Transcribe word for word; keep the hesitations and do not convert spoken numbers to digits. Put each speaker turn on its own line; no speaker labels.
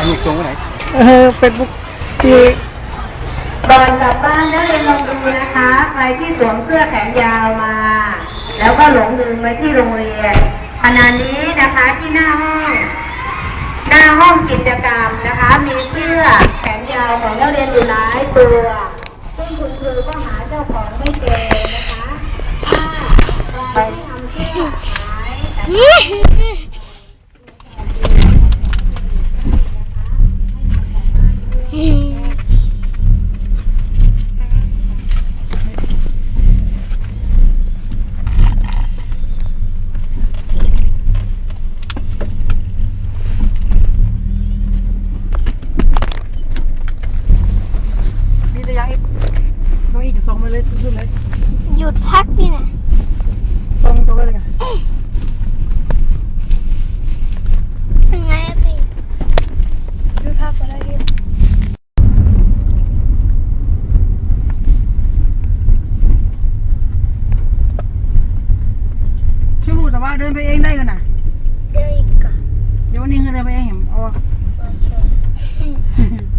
มีจงไว้ไหน
เออเฟซบุ๊กที่
ก่อนกลับบ้านนักเรียนลองดูนะคะใครที่สวมเสื้อแขนยาวมาแล้วก็หลงลืมไว้ที่โรงเรียนขณะนี้นะคะที่หน้าห้องหน้าห้องกิจกรรมนะคะมีเสื้อแขนยาวของนักเรียนอยู่หลายตัวซึ่งคุณครูก็หาเจ้าของไม่เจอนะคะถ้าใครที่ทำเสื้อหาย
มีแต่ยังอีกน้องอีกส่งไปเลยสุดๆเลย
หยุดพักนี่นะ
ส่งตัวไปเลยกัน
เป็นไงอะพี่หยุดพักก็ได้ดิ
ชั่วโมงแต่ว่าเดินไปเองได้กันนะ
เดี๋ยวอีกก่อน
เดี๋ยววันนี้เดินไปเองเห็นเอา
โอเค